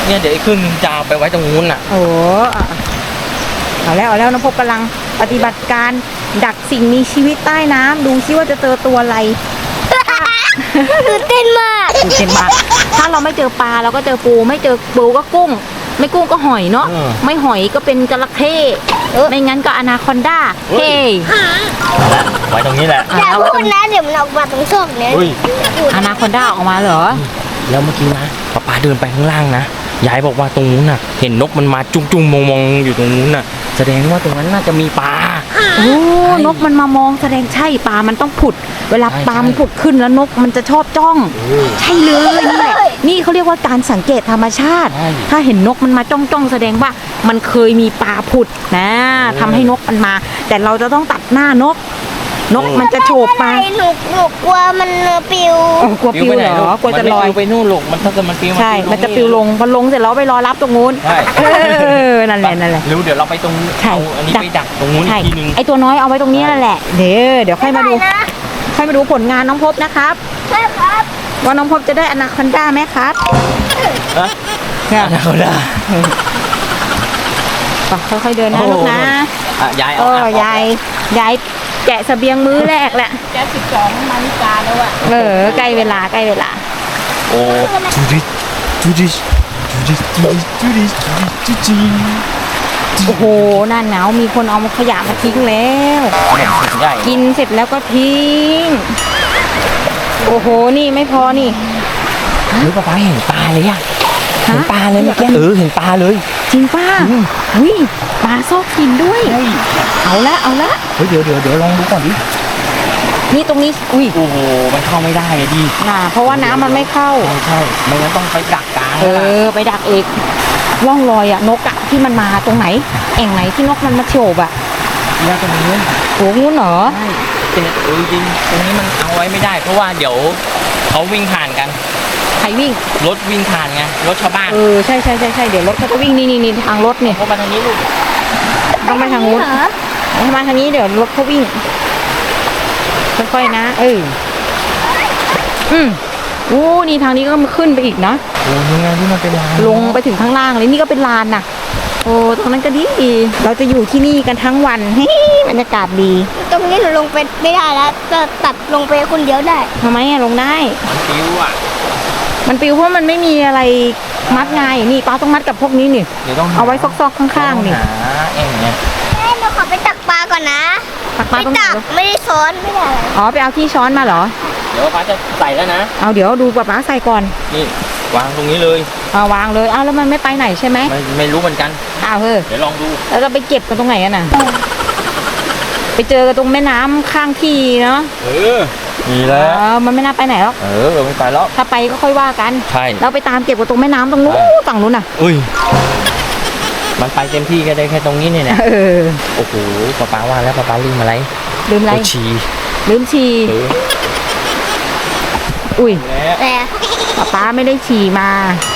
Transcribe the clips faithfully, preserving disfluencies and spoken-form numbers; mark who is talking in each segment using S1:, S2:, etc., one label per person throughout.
S1: เนี่ยเดี๋ยวอีกครึ่งจะเอาไปไว้ตรงนู้นน่ะ
S2: โอ้เอาแล้วเอาแล้วน้องพบกำลังปฏิบัติการดักสิ่งมีชีวิตใต้น้ำดูซิว่าจะเจอตัวอะไร
S3: ตื่นเต้นมาก
S2: ตื่นเต้นมากถ้าเราไม่เจอปลาเราก็เจอปูไม่เจอปูก็กุ้งไม่กุ้งก็หอยเนาะไม่หอยก็เป็นจระเข้ไม่งั้นก็อนาคอนดาเฮ้
S1: ไว้ตรงนี้แหละ
S3: อย่าพูดนะเดี๋ยวมันออกมาตรงช่องเนี้ย
S2: อนาคอนดาออกมาเหรอ
S1: แล้วเมื่อกี้นะป๊าป๊าเดินไปข้างล่างนะยายบอกว่าตรงนู้นน่ะเห็นนกมันมาจุ้งจุ้งมองมองอยู่ตรงนู้นน่ะแสดงว่าตรงนั้นน่าจะมีปลา
S2: โอ้นกมันมามองแสดงใช่ปลามันต้องผุดเวลาปลามันผุดขึ้นแล้วนกมันจะชอบจ้องใช่เลยนี่แหละนี่เขาเรียกว่าการสังเกตธรรมชาติถ้าเห็นนกมันมาจ้องจ้องแสดงว่ามันเคยมีปลาผุดนะทำให้นกมันมาแต่เราจะต้องตัดหน้านกนกมันจะโฉบมา
S3: หนูหนูกลัวมันปิว
S2: กลัวปิวเหรอกลัวจะลอย
S1: ไปนู่นลงมันถ้าเกิดมันปิว
S2: ใช่มันจะปิวลงพอลงเสร็จแล้วไปรอรับตรงนู้น
S1: ใช่
S2: นั่นแหละนั่นแหละ
S1: เร็วเดี๋ยวเราไปตรงเอาอันนี้ไปดักตรงนู้นอีกทีนึง
S2: ไอตัวน้อยเอาไว้ตรงนี้นั่นแหละเดี๋ยวเดี๋ยวค่อยมาดูค่อยมาดูผลงานน้องพบนะครับ
S3: ใช่ครับ
S2: ว่าน้องพบจะได้อนาคอนดาไหมครับ
S1: ฮะอนาคอนดา
S2: ค่อยๆเดินนะลูกนะ
S1: ยาย
S2: เออยายยายแกะเสบียงมื้อแรกแหละ
S3: แกะสิบสองมานิกาแล้วอะ
S2: เออใกล้เวลาใกล้เวลา
S1: โอ้ดูดิดูดิดูดิดูดิดูดิดูดิ
S2: โอ้โหหน้าหนาวมีคนเอาขยะมาทิ้งแล้วกินเสร็จแล้วก็ทิ้งโอ้โหนี่ไม่พอนี่
S1: หรือป้าป้าเห็นปลาเลยอะเห็นปลาเลยเมื่อกี้เออเห็นปลาเลย
S2: จริงป้าอุ้ยปลาซอกกินด้วยเอาละเอาละ
S1: เฮ้ยเดี๋ยวเดี๋ยวเดี๋ยวลองดูก่อนดิ
S2: นี่ตรงนี้อุ้ย
S1: โอ้โหมันเข้าไม่ได้เลยดิ
S2: น่ะเพราะว่าน้ำมันไม่เข้า
S1: ใช่ไม่งั้นต้องไปดักกลาง
S2: เออไปดักเอกร่องรอยอะนกอะที่มันมาตรงไหนแอ่งไหนที่นกมันมาโฉบอะ
S1: เนี่ยตรงนี้
S2: โอ้งูเหรอ
S1: ใช่เออจริงตรงนี้มันเอาไว้ไม่ได้เพราะว่าเดี๋ยวเขาวิ่งผ่านกัน
S2: ใครวิ่ง
S1: รถวิ่งผ่านไงรถชาวบ้าน
S2: เออใช่ใช่ใช่ใช่เดี๋ยวรถเขาจะวิ่งนี่นี่นี่ทางรถเนี่ย
S1: เขามาทางนี้ลูก
S2: ต้องไปทางนู้นมาทางนี้เดี๋ยวรถเขาวิ่งค่อยๆนะเอออืมโอ้นี่ทางนี้ก็มาขึ้นไปอีกนะ
S1: โอ้ยังไงที่มันเป็นลาน
S2: ลงไปถึงข้างล่างเลยนี่ก็เป็นลานน่ะโอ้ตรงนั้นก็ดีเราจะอยู่ที่นี่กันทั้งวันเฮ้ยบรรยากาศดี
S3: ตรงนี้หนูลงไปไม่ได้แล้วจะตัดลงไปคนเดียวได้
S2: ทำไมอะลงได้
S1: มันปิวอะ
S2: มันปิวเพราะมันไม่มีอะไรมัดไงนี่ป้าต้องมัดกับพวกนี้นี่เอาไว้ซอกๆข้างๆนี่
S1: เองเนี่ย
S3: แม่หนูขอไปตักปลาก่อนนะ
S2: ตักปลาต้อง
S3: ตักไม่ได้ช้อนไม่ได้
S2: อ๋อไปเอาที่ช้อนมาเหรอ
S1: เดี๋ยวป้าจะใส่แล้วนะ
S2: เอาเดี๋ยวดูป้าใส่ก่อน
S1: นี่วางตรงนี้เลย
S2: เอาวางเลยเอาแล้วมันไม่ไปไหนใช่ไหม
S1: ไม่ไม่รู้เหมือนกัน
S2: อ้าวเฮ้ย
S1: เดี๋ยวลองดู
S2: แล้วเราไปเก็บกันตรงไหนกันน่ะไปเจอกันตรงแม่น้ำข้างที่เนาะ
S1: เออมีแล้ว
S2: มันไม่น่าไปไหนหรอก
S1: เออไม่ไปแล้ว
S2: ถ้าไปก็ค่อยว่ากัน
S1: ใช่
S2: เราไปตามเก็บกันตรงแม่น้ำตรงนู้นฝั่งนู้นน่ะ
S1: อุ้ยมันไปเต็มที่ก็ได้แค่ตรงนี้เนี่ย
S2: เออ
S1: โอ้โหป้าป้าว่าแล้วป้าป้าลืมอะไร
S2: ลืมอะไร
S1: ฉี่
S2: ลืมฉี่อุ้ย
S3: แต่
S2: ป้าป้าไม่ได้ฉี่มา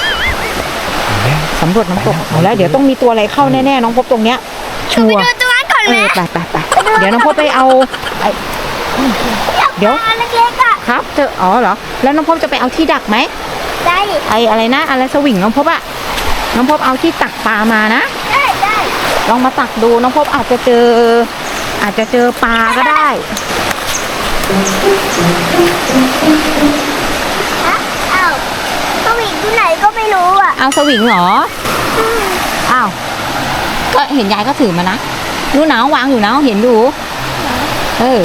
S2: สำรวจน้ำตกเอาแล้วเดี๋ยวต้องมีตัวอะไรเข้าแน่ๆน้องพบตรงเนี้ยชัวร์
S3: ไปดูตัวนั้นก่อนไหม
S2: ไปไปไปเดี๋ยวน้องพบไปเอาเดี๋ยว
S3: เล็กๆอ่ะ
S2: ครับเจออ๋อเหรอแล้วน้องพบจะไปเอาที่ดักไหม
S3: ได้
S2: ไออะไรนะอะไรสวิงน้องพบอะน้องพบเอาที่ตักปลามานะ
S3: ได้ได้
S2: ลองมาตักดูน้องพบอาจจะเจออาจจะเจอปลาก็ได้
S3: อ้าวสวิงที่ไหนก็ไม่รู้อ่ะ
S2: เอาสวิงเหรออ้าวก็เห็นยายก็ถือมานะดูหนาววางอยู่นะเห็นดูเออ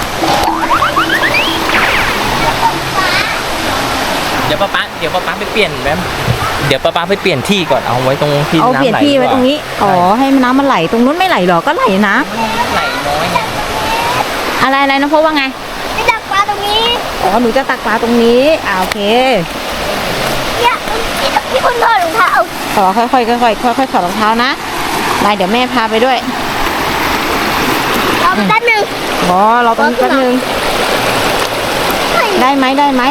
S1: เดี๋ยวป้าป้าเดี๋ยวป้าป้าไปเปลี่ยนแป๊บเดี๋ยวป้าป้าไปเปลี่ยนที่ก่อนเอาไว้ตรงที่น้ำไหล
S2: เอาเปลี่ยนที่ไว้ตรงนี้อ๋อให้น้ำมันไหลตรงนู้นไม่ไหลหรอก็ไหลนะ
S1: ไหลน้อย
S2: อะไรอะไรนะพบว่าไง
S3: จะตักปลาตรงนี้
S2: อ๋อหนูจะตักปลาตรงนี้อ่าโอเค
S3: เนี่ยพี่คนถอดรองเท้า
S2: อ๋อค่อยๆค่อยๆค่อยๆถอดรองเท้านะได้เดี๋ยวแม่พาไปด้วย
S3: รอแป๊บนึง
S2: อ๋อเราต้องแป๊บนึงได้ไหมได้ไหม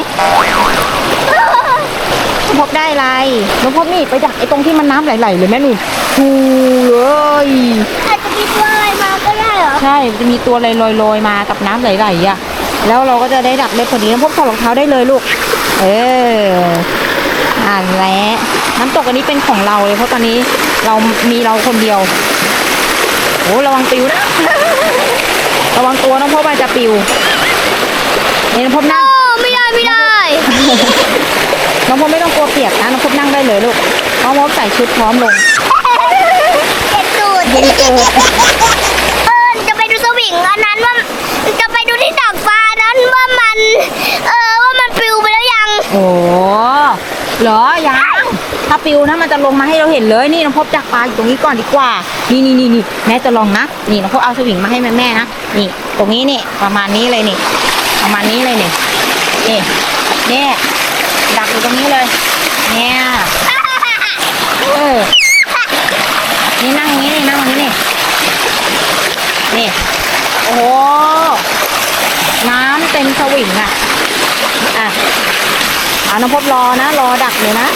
S2: พบได้อะไรน้องพบนี่ไปดักไอ้ตรงที่มันน้ำไหลๆเลยแม่หนูชูเลย
S3: อาจจะมีตัวอะไรมาก็ได้เหรอ
S2: ใช่จะมีตัวลอยๆมากับน้ำไหลๆอ่ะแล้วเราก็จะได้ดักได้พอดีน้องพบถอดรองเท้าได้เลยลูกเอออ่านแล้วน้ำตกอันนี้เป็นของเราเลยเพราะตอนนี้เรามีเราคนเดียวโอ้ระวังปิวนะ ระวังตัวน้องพบอาจจะปิวนี่น้องพบนั่ง
S3: โอ้ไม่ได้ไม่ได้
S2: น้องพบไม่ต้องกลัวเปียกนะน้องพบนั่งได้เลยลูกน้องพบใส่ชุดพร้อมลง
S3: เจ็บตูด
S2: ยิงเกิด
S3: เออจะไปดูสวิงอันนั้นว่าจะไปดูที่ดักฟ้านั้นว่ามันเออว่ามันปลิวไปแล้วยัง
S2: โอ้เหรอยังถ้าปิวนะมันจะลงมาให้เราเห็นเลยนี่น้องพบจักปลาอยู่ตรงนี้ก่อนดีกว่านี่นี่นี่นี่แม่จะลองนะนี่น้องพบเอาสวิงมาให้แม่แม่นะนี่ตรงนี้นี่ประมาณนี้เลยนี่ประมาณนี้เลยนี่นี่เนี่ยดักอยู่ตรงนี้เลยเนี่ยเออนี่นั่งอย่างนี้นี่นั่งอย่างนี้นี่นี่โอ้โหน้ำเต็มสวิงอ่ะอ่ะเอาน้องพบรอนะรอดักเลยนะ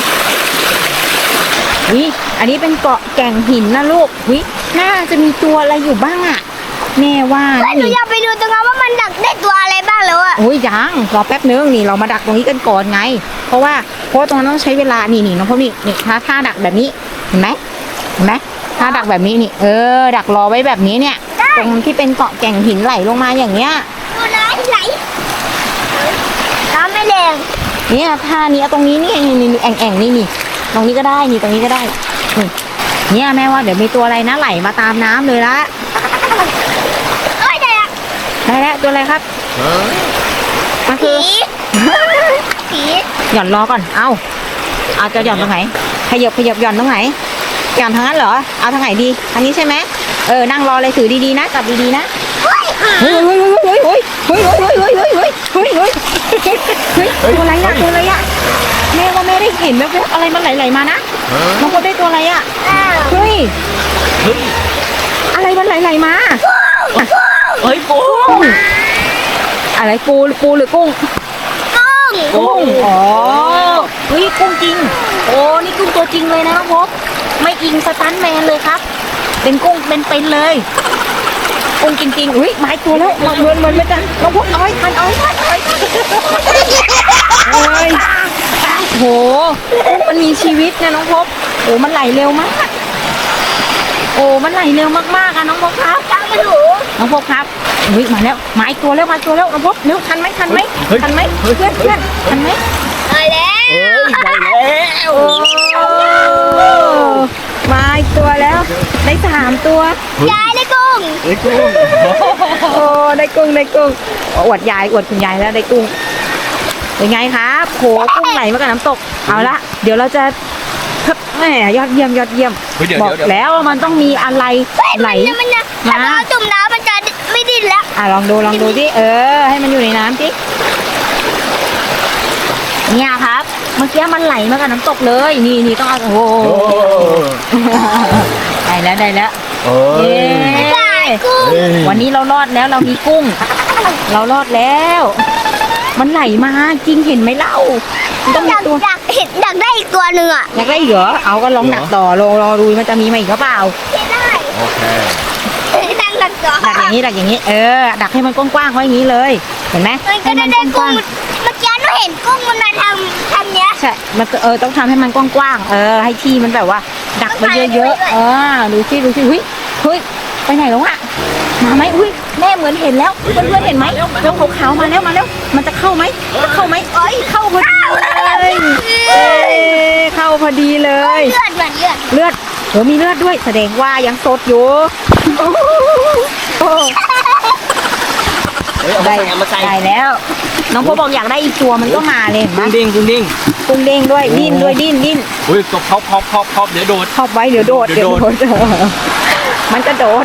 S2: วิอันนี้เป็นเกาะแก่งหินนะลูกวิน่าจะมีตัวอะไรอยู่บ้างอ่ะแม่ว่า
S3: เฮ้ยหนู
S2: นี่
S3: อยากไปดูตรงนั้นว่ามันดักได้ตัวอะไรบ้างแล้วอะ
S2: โอ้ยยังรอแป๊บนึงนี่เรามาดักตรงนี้กันก่อนไง เพราะว่าเพราะว่าตรงนั้นต้องใช้เวลานี่นี่น้องพบนี่นี่ถ้าถ้าดักแบบนี้เห็นไหมเห็นไหมถ้าดักแบบนี้นี่เออดักรอไว้แบบนี้เนี่ยตรงที่เป็นเกาะแก่งหินไหลลงมาอย่างเงี้ย
S3: ดูนะไหลน้ำไม่แรง
S2: เนี่ยท่านี้เอาตรงนี้นี่นี่นี่แอ่งแอ่งนี่นี่ตรงนี้ก็ได้นี่ตรงนี้ก็ได้นี่เนี่ยแม่ว่าเดี๋ยวมีตัวอะไรนะไหลมาตามน้ำเลยละ
S3: เอ้ยได้ละ
S2: ได้แล้วตัวอะไรครับมันคื
S3: ผี
S2: อ
S3: ผี
S2: หย่อนรอก่อนเอาเอาจะหย่อนตรงไหนขยับขยับหย่อนตรงไหนหย่อนทางนั้นเหรอเอาทางไหนดีทางนี้ใช่ไหมเออนั่งรอเลยถือดีๆนะจับดีๆนะ
S3: เฮ้ย
S2: เฮ้ยเฮ้ยเฮ้ยเฮ้ยเฮ้ยเฮ้ยเฮ้ยเฮ้ยเฮ้ยเฮ้ยเฮ้ยเฮ้ยเฮ้ยเฮ้ยตัวอะไรอะตัวอะไรอะแม่ว่าแม่ได้เห็นแว๊บๆอะไรมันไหลๆมานะน้องพบได้ตัวอะไรอะ
S3: อ้าว
S2: เฮ้ย
S1: เฮ้ย
S2: อะไรมันไหลๆมา
S1: เฮ้ยปู
S2: อะไรปูปูหรือกุ้ง
S3: กุ้ง
S2: กุ้งอ๋อเฮ้ยกุ้งจริงโอ้นี่กุ้งตัวจริงเลยนะน้องพบไม่อิงสตันแมนเลยครับ เป็นกุ้งเป็นๆเลยกุ้งจริงๆอุ้ยไม้ตัวแล้วเหมือนเหมือนเหมือนไม่กันน้องพบเอาให้ทันเอาให้ทันเอาให้ทันโอ้ยโหกุ้งมันมีชีวิตนะน้องพบโอ้มันไหลเร็วมากโอ้มันไหลเร็วมากๆอะน้องพบครับ
S3: ตามมาดู
S2: น้องพบครับอุ้ยมาแล้วมาอีกตัวแล้วมาอีกตัวแล้วน้องพบเร็วทันไหมทันไหมทันไหมเพื่อนเพื่อนทันไหม
S3: มาแล้ว
S1: เฮ้ยได้แล้ว
S2: โอ้มาอีกตัวแล้วได้สามตัวย
S3: ายได้กุ้ง
S1: เฮ้ยกุ้ง
S2: โอ้ได้กุ้งได้กุ้งอวดยายอวดคุณยายแล้วได้กุ้งเป็นไงครับโหกุ้งไหลมากับน้ำตกเอาละเดี๋ยวเราจะแหมยอดเยี่ยมยอดเยี่ยม
S1: เฮ้ยเดี๋ยว
S2: บอก
S1: เดี๋ยว
S2: แล้วว่ามันต้องมีอะไรไหล
S3: เนี่ยมันจะ
S2: มา
S3: ถ้าเราจุ่มน้ำมันจะไม่ดิ้นแล้ว
S2: อ่ะลองดูลองดูสิเออ ให้มันอยู่ในน้ำสิเนี่ยครับ เมื่อกี้มันไหลมากับน้ำตกเลย นี่นี่ต้องเอาโอ้โห
S1: โอ้
S2: ได้แล้วได้แล้ว
S1: เฮ้
S2: เย้
S1: ย
S3: กุ้ง
S1: เฮ้ย
S2: วันนี้เรารอดแล้วเรามีกุ้ง เรารอดแล้ว มันไหลมาจริงเห็นไหมเล่ามันต้อง
S3: อ
S2: มี
S3: ยาก
S2: ตัว
S3: อยากเห็นอยากได้อีกตัวหนึ่งอ่ะ
S2: อยากได้อีกเหรอเอาก็ลองดักต่อรอรอดูมันจะมีมาอีกหรือเปล่า
S3: ไม่ได้
S1: โอเค
S3: ดังดังต่อ
S2: ดักอย่างนี้ดักอย่างนี้ เออ ดักให้มันกว้างๆไว้อย่างนี้เลย เห็นไหม
S3: มันก็
S2: ให้
S3: ได้
S2: มัน
S3: ได้
S2: ก
S3: กุ้
S2: ว้าง ง
S3: เมื่อกี้หนูเห็นกุ้งมันมาทำทำเนี้ย
S2: ๆใช่ มันก็เออต้องทำให้มันกว้างๆ เออ ให้ที่มันแบบว่า ดักไปเยอะๆ เออ ดูสิดูสิเฮ้ยเฮ้ย ไปไหนแล้วอะมาไหมอุ้ยแม่เหมือนเห็นแล้ว เพื่อนๆเห็นไหมแล้วขาวๆมาแล้วมาแล้ว มันจะเข้าไหมจะเข้าไหมเอ้ย เข้าพอดีเลยเอ้ยเข้าพอดีเลย
S3: เลือดเหมือนเลือด
S2: เลือดโหมีเลือดด้วย แสดงว่ายังสดอยู่โอ้โห
S1: เฮ้ยเอามา
S2: ได้
S1: ใส่เอามาใส่
S2: ได้แล้ว น้องพบบอกอยากได้อีกตัวมันก็มาเลยเห็นไหม
S1: กุ้งดิ้งกุ้งดิ้ง
S2: กุ้งเด้งด้วยดิ้นด้วยดิ้นดิ้น
S1: อุ้ยก็พอบพอบพอบพอบเดี๋ยวโดด
S2: ครอบไว้เดี๋ยวโดด
S1: เดี๋
S2: เดี๋ย
S1: ยว ว
S2: โด
S1: โด
S2: ด
S1: ด
S2: มันจะโดด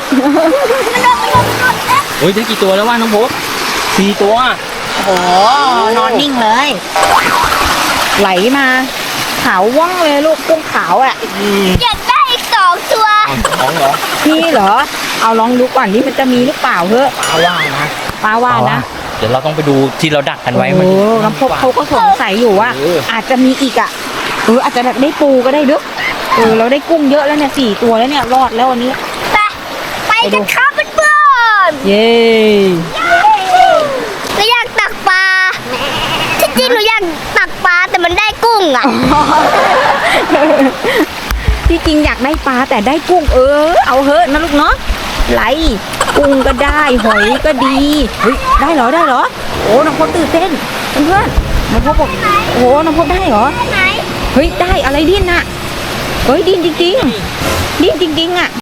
S1: โอ้ยได้กี่ตัวแล้ววะน้องพบสี่ตัว
S2: โอ้โหนอนนิ่งเลย ไหลมาขาวว่องเลยลูกกุ้งขาวอ่ะ
S1: อืม
S3: อยากได้อีกสองตัว
S1: เอาท้องเหรอ
S2: นี่เหรอ เอาลองดูก่อนนี่มันจะมีหรือเปล่าเฮ้
S1: ปลาว่านะ
S2: ป้าว่านะ
S1: เดี๋ยวเราต้องไปดูที่เราดักกันไว้
S2: โอ้
S1: มัน
S2: น้ำพบเขาก็สงสัยอยู่ว่า
S1: เออ
S2: อาจจะมีอีกอ่ะเอออาจจะแบบได้ปูก็ได้เด้อเออเราได้กุ้งเยอะแล้วเนี่ยสี่ตัวแล้วเนี่ยรอดแล้ววันนี้
S3: ไปไปกันครับเพื่อน
S2: เย้
S3: ๆหนูอยากตักปลาที่จริงหนูอยากตักปลาแต่มันได้กุ้งอ่ะ
S2: ที่จริงอยากได้ปลาแต่ได้กุ้งเออ เอาเหอะนะลูกเนาะไหลกุ้งก็ได้หอยก็ดีเฮ้ยได้เหรอได้เหรอโอ้น้องพบตื่นเต้นเพื่อนๆน้องพบบอกโอ้น้องพบได้เหรอ
S3: ไหน
S2: เฮ้ยได้อะไรดิ้นน่ะเฮ้ยดิ้นจริงๆดิ้นจริงๆอ่ะ